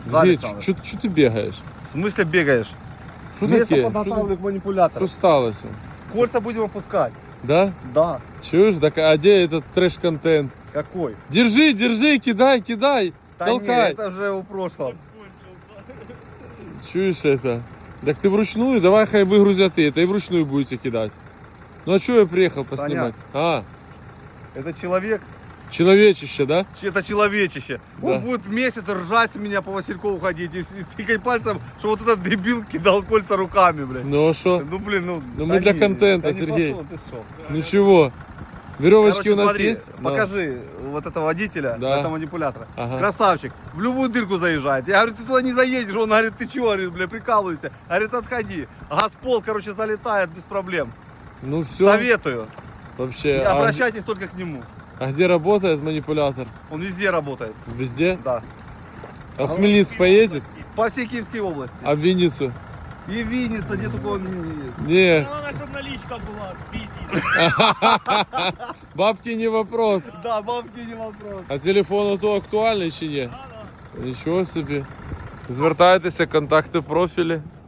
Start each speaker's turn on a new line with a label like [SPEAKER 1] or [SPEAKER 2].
[SPEAKER 1] Сергей, что ты бегаешь?
[SPEAKER 2] В смысле бегаешь?
[SPEAKER 1] Что
[SPEAKER 2] Место
[SPEAKER 1] таке?
[SPEAKER 2] подготавливаю к
[SPEAKER 1] Что
[SPEAKER 2] манипулятору.
[SPEAKER 1] сталося?
[SPEAKER 2] Кольца будем опускать.
[SPEAKER 1] Да?
[SPEAKER 2] Да.
[SPEAKER 1] Чуешь? Так, а где этот трэш-контент?
[SPEAKER 2] Какой?
[SPEAKER 1] Держи, держи, кидай, кидай,
[SPEAKER 2] Да
[SPEAKER 1] толкай.
[SPEAKER 2] нет, это уже у прошлом.
[SPEAKER 1] Чуешь это? Так ты вручную, давай хай выгрузят это и вручную будете кидать. Ну а что я приехал поснимать? А,
[SPEAKER 2] Это человек,
[SPEAKER 1] человечище, да?
[SPEAKER 2] это человечище.
[SPEAKER 1] Да.
[SPEAKER 2] Он будет месяц ржать с меня по Василькову ходить и тыкать пальцем, что вот этот дебил кидал кольца руками, блядь.
[SPEAKER 1] Ну а что?
[SPEAKER 2] Ну блин, ну.
[SPEAKER 1] Ну, мы для контента,
[SPEAKER 2] да не
[SPEAKER 1] Сергей.
[SPEAKER 2] пошел ты, шо.
[SPEAKER 1] Ничего. Веревочки
[SPEAKER 2] Короче,
[SPEAKER 1] у нас
[SPEAKER 2] смотри,
[SPEAKER 1] есть? Да.
[SPEAKER 2] покажи вот этого водителя,
[SPEAKER 1] Да.
[SPEAKER 2] этого манипулятора.
[SPEAKER 1] Ага.
[SPEAKER 2] Красавчик, в любую дырку заезжает. Я говорю, ты туда не заедешь. Он говорит, ты чего, говорит, бля, прикалываешься. Говорит, отходи. Газпол, короче, залетает без проблем.
[SPEAKER 1] Ну все.
[SPEAKER 2] Советую.
[SPEAKER 1] Вообще.
[SPEAKER 2] Не обращайтесь только к нему.
[SPEAKER 1] А где работает манипулятор?
[SPEAKER 2] Он везде работает.
[SPEAKER 1] Везде?
[SPEAKER 2] Да.
[SPEAKER 1] А в Хмельницк поедет?
[SPEAKER 2] По всей Киевской области.
[SPEAKER 1] А в Винницу?
[SPEAKER 2] И Винница, где только он не есть.
[SPEAKER 1] Не,
[SPEAKER 3] Главное, чтобы наличка была с писи.
[SPEAKER 1] бабки не вопрос.
[SPEAKER 2] Да, бабки не вопрос.
[SPEAKER 1] А телефон то актуальний чи ні? Нічого собі. Звертайтеся, контакти в профілі.